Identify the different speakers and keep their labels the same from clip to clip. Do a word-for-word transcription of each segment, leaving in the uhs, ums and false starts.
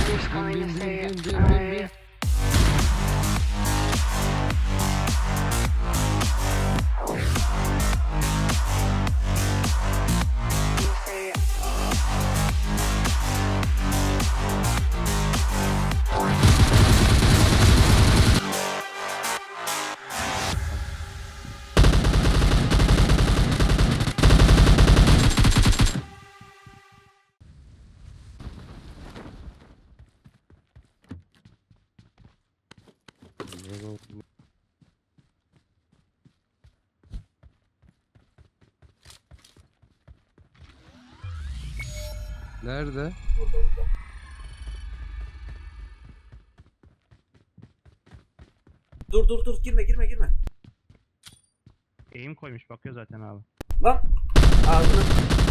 Speaker 1: Bin bin bin bin bin bin bin. Nerede?
Speaker 2: Dur dur dur girme girme girme.
Speaker 3: Eğim koymuş bakıyor zaten abi.
Speaker 2: Lan ağzını.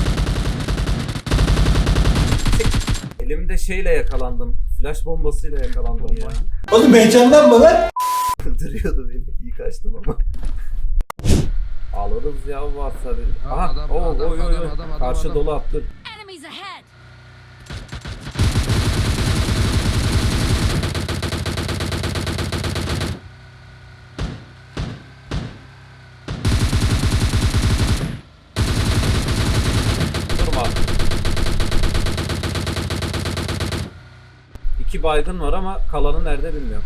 Speaker 2: Elimde şeyle yakalandım. Flash bombasıyla yakalandım ya.
Speaker 4: Oğlum heyecanlanma lan.
Speaker 2: Öldürüyordu beni. İyi kaçtım ama. Alırız ya varsa bir.
Speaker 1: Ha,
Speaker 2: Aha.
Speaker 1: adam,
Speaker 2: Oo,
Speaker 1: adam,
Speaker 2: oy, oy,
Speaker 1: adam,
Speaker 2: oy.
Speaker 1: adam, adam,
Speaker 2: Karşı
Speaker 1: adam.
Speaker 2: dolu attı.
Speaker 5: Enemies ahead!
Speaker 2: Durma. İki baygın var ama kalanı nerede bilmiyorum.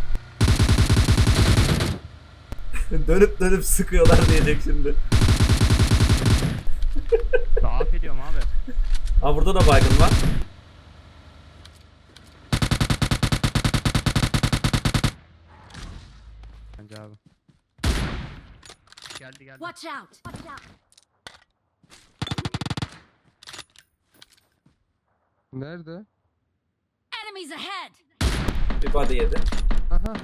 Speaker 2: Dönüp dönüp sıkıyorlar diyecek şimdi.
Speaker 3: Zaaf ediyorum abi.
Speaker 2: Ha burada da baygın var.
Speaker 3: Bence abi. Geldi geldi.
Speaker 5: Watch out! Watch out!
Speaker 1: Nerede?
Speaker 5: Enemies ahead!
Speaker 2: Bir body yedi.
Speaker 1: Aha.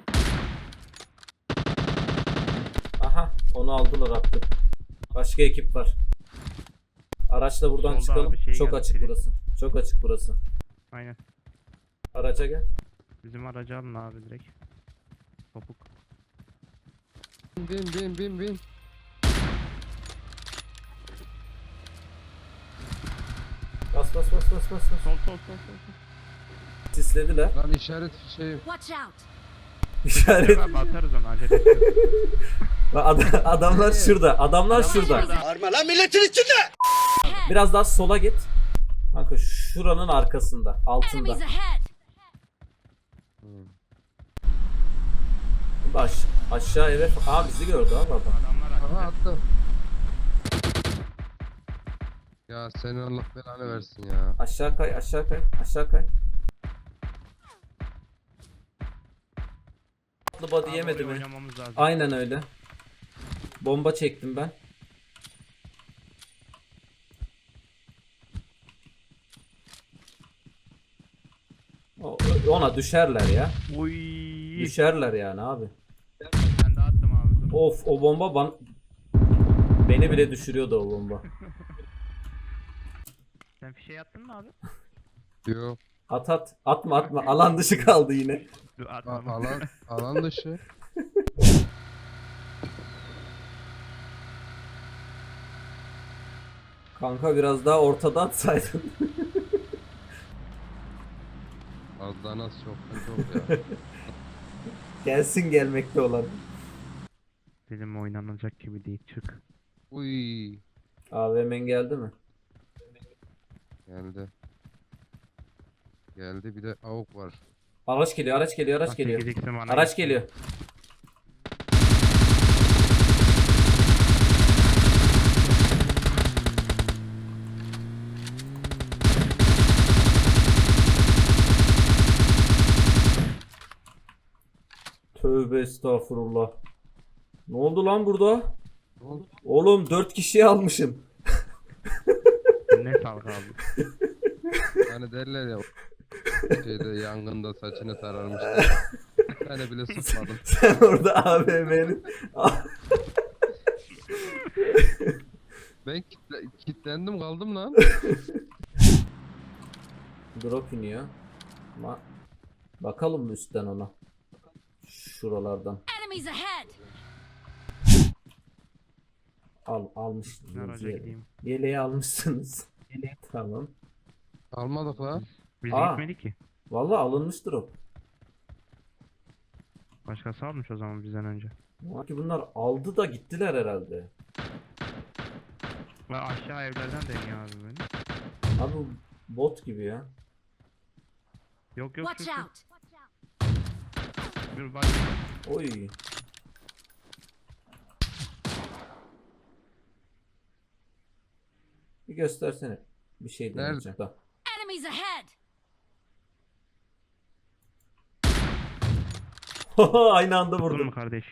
Speaker 2: Aha onu aldılar attı. Başka ekip var. Araçla buradan
Speaker 3: Solda
Speaker 2: çıkalım.
Speaker 3: abi şey
Speaker 2: Çok
Speaker 3: geldi,
Speaker 2: açık
Speaker 3: biri.
Speaker 2: burası. Çok açık burası.
Speaker 3: Aynen.
Speaker 2: Araca gel.
Speaker 3: Bizim aracı alın abi direkt. Topuk.
Speaker 1: Bin bin bin bin.
Speaker 2: Bas bas bas bas bas. bas.
Speaker 3: Sol sol sol sol. sol.
Speaker 2: Sislediler.
Speaker 1: Lan işaret şey.
Speaker 5: Watch out!
Speaker 2: İşaret.
Speaker 3: Abi atarız onu acele etme.
Speaker 2: Ad- adamlar şurada. Adamlar şurada.
Speaker 4: Arma lan milletin içinde.
Speaker 5: Ahead!
Speaker 2: Biraz daha sola git. Kanka şuranın arkasında. Altında.
Speaker 5: Enemies ahead!
Speaker 2: Baş. Aşağı eve. Aa bizi gördü abi adam.
Speaker 3: Adamlar
Speaker 1: Aha
Speaker 3: açtı.
Speaker 1: attı. Ya seni Allah belanı versin ya.
Speaker 2: Aşağı kay. Aşağı kay. Aşağı kay. Atlı body
Speaker 3: Abi
Speaker 2: yemedi
Speaker 3: oraya
Speaker 2: mi?
Speaker 3: oynamamız lazım.
Speaker 2: Aynen öyle. Bomba çektim ben. O- Ona düşerler ya.
Speaker 3: Uy.
Speaker 2: Düşerler yani abi.
Speaker 3: Ben de attım abi. Dur.
Speaker 2: Of o bomba ban beni bile düşürüyordu o bomba.
Speaker 3: Sen fişeği attın mı abi?
Speaker 1: Yok.
Speaker 2: At at. Atma atma. Alan dışı kaldı yine.
Speaker 3: Dur
Speaker 1: A-
Speaker 3: atmam.
Speaker 1: alan alan dışı.
Speaker 2: Kanka biraz daha ortada atsaydın.
Speaker 1: Az daha nasıl çok çok ya.
Speaker 2: Gelsin gelmekte olan.
Speaker 3: Bizim oynanacak gibi değil çık.
Speaker 1: Uy.
Speaker 2: A V M'in geldi mi?
Speaker 1: Geldi. Geldi bir de avuk var.
Speaker 2: Araç geliyor, araç geliyor, araç
Speaker 3: Bak,
Speaker 2: geliyor.
Speaker 3: sekiz x'im bana
Speaker 2: Araç
Speaker 3: gitti.
Speaker 2: geliyor. Tövbe estağfurullah. Ne oldu lan burada?
Speaker 1: Ne oldu?
Speaker 2: Oğlum dört kişiyi almışım.
Speaker 3: Ne sağlık abi.
Speaker 1: Hani derler ya şeyde yangında saçını tararmışlar. Ben de bile sıkmadım.
Speaker 2: Sen orada A V M'nin
Speaker 1: Ben kitle, kilitlendim kaldım lan.
Speaker 2: drop iniyor. Ama bakalım mı üstten ona? Şuralardan.
Speaker 5: Enemies ahead!
Speaker 2: Al almışsınız
Speaker 3: Araca
Speaker 2: yeleği.
Speaker 3: gideyim.
Speaker 2: Yeleği almışsınız. Tamam.
Speaker 1: Almadık lan.
Speaker 3: Biz
Speaker 2: Aa.
Speaker 3: gitmedik ki.
Speaker 2: Vallahi alınmıştır o.
Speaker 3: Başkası almış o zaman bizden önce.
Speaker 2: Sanki bunlar aldı da gittiler herhalde.
Speaker 3: Ve aşağı evlerden deniyor abi beni.
Speaker 2: Abi bu bot gibi ya.
Speaker 3: Yok yok
Speaker 5: Watch
Speaker 3: şu, şu.
Speaker 5: out!
Speaker 3: Bir bak.
Speaker 2: Oy. Bir göstersene. Bir şey
Speaker 1: Nerede?
Speaker 2: deneyeceğim. Tamam.
Speaker 5: Enemies ahead!
Speaker 2: Aynı anda
Speaker 3: Vurdun mu
Speaker 2: vurdum.
Speaker 3: kardeş?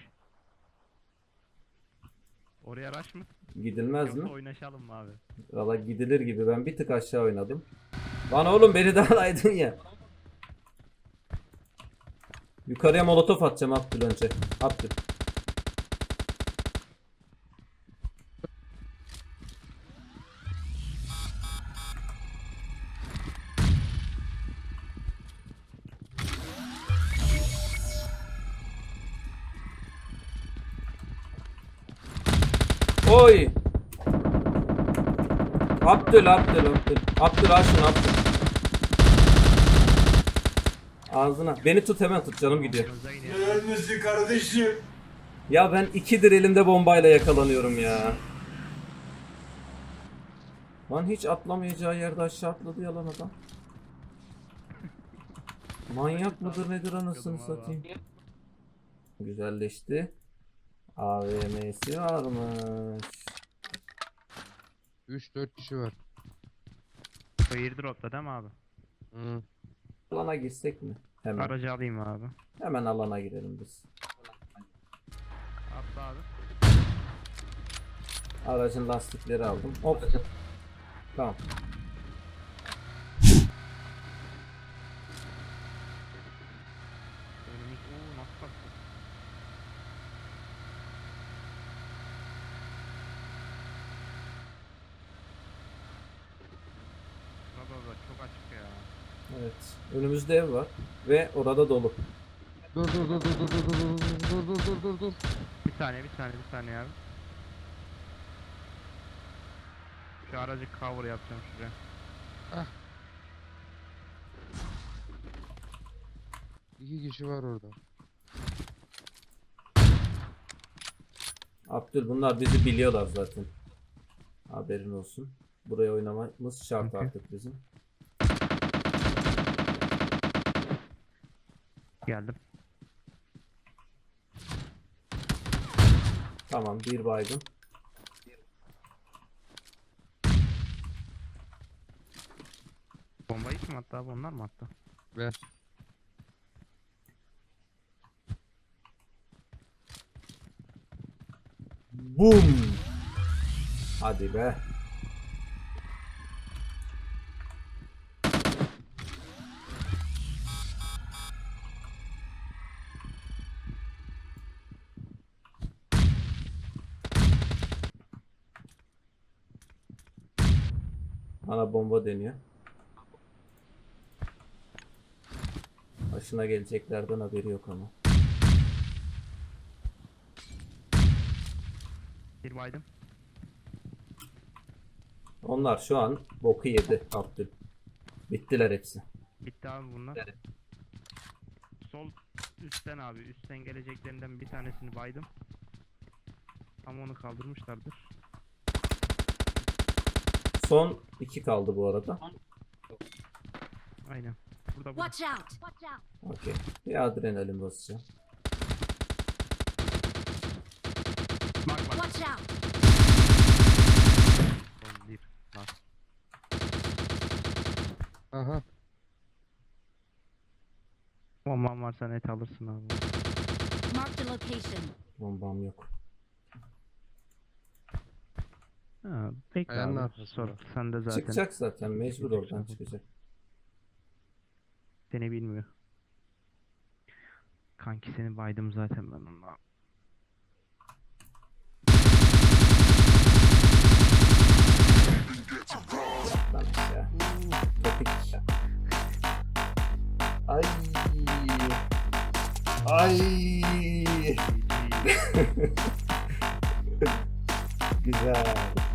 Speaker 3: Oraya araç mı?
Speaker 2: Gidilmez
Speaker 3: Yoksa
Speaker 2: mi?
Speaker 3: oynaşalım mı abi?
Speaker 2: Valla gidilir gibi. Ben bir tık aşağı oynadım. Lan oğlum beni de alaydın ya. Yukarıya molotof atacağım Abdül önce. Abdül. Oy. Abdül, Abdül, Abdül. Abdül al şunu Abdül. Ağzına. Beni tut hemen tut canım gidiyor.
Speaker 3: Yanınıza iniyor.
Speaker 4: Ölmüşsün kardeşim.
Speaker 2: Ya ben ikidir elimde bombayla yakalanıyorum ya. Lan hiç atlamayacağı yerde aşağı atladı yalan adam. Manyak mıdır nedir anasını satayım. Güzelleşti. A V M'si varmış.
Speaker 1: üç dört kişi var.
Speaker 3: O airdrop'ta değil mi abi?
Speaker 1: Hı.
Speaker 2: Alana girsek mi? Hemen.
Speaker 3: Aracı alayım abi.
Speaker 2: Hemen alana girelim biz.
Speaker 3: Atla abi.
Speaker 2: Aracın lastikleri aldım. Hop. Tamam.
Speaker 3: Önümüz ooo nasıl kalktı? Baba baba çok açık ya.
Speaker 2: Evet. Önümüzde ev var. Ve orada dolu.
Speaker 1: Dur dur dur dur dur dur dur dur dur dur dur dur.
Speaker 3: Bir saniye bir saniye bir saniye abi. Şu aracı cover yapacağım şuraya.
Speaker 1: İki kişi var orada.
Speaker 2: Abdül bunlar bizi biliyorlar zaten. Haberin olsun. Buraya oynamamız şart
Speaker 3: Okey.
Speaker 2: artık bizim.
Speaker 3: Geldim.
Speaker 2: Tamam bir baygın.
Speaker 3: Bombayı kim attı abi onlar mı attı?
Speaker 1: Ver.
Speaker 2: Boom. Hadi be. Bana bomba deniyor. Başına geleceklerden haberi yok ama.
Speaker 3: Bir baydım.
Speaker 2: Onlar şu an boku yedi Abdül. Bittiler hepsi.
Speaker 3: Bitti abi bunlar. Sol üstten abi. Üstten geleceklerinden bir tanesini baydım. Ama onu kaldırmışlardır.
Speaker 2: Son iki kaldı bu arada.
Speaker 3: Aynen. Burada burada.
Speaker 5: Watch out! Watch out!
Speaker 2: Okey. Bir adrenalin basacağım.
Speaker 3: Bak bak.
Speaker 5: Watch out!
Speaker 3: Sol bir. Bak.
Speaker 1: Aha.
Speaker 3: Bomban varsa net alırsın abi.
Speaker 5: Mark the location.
Speaker 2: Bombam yok.
Speaker 3: Ha, bekle
Speaker 1: Ayağının
Speaker 3: abi.
Speaker 1: arkasında.
Speaker 3: Sor. Sen de zaten
Speaker 2: Çıkacak zaten mecbur oradan çıkacak.
Speaker 3: seni bilmiyor. Kanki seni baydım zaten ben onunla.
Speaker 2: Lan ya. Topik. Ay. Ay. Güzel.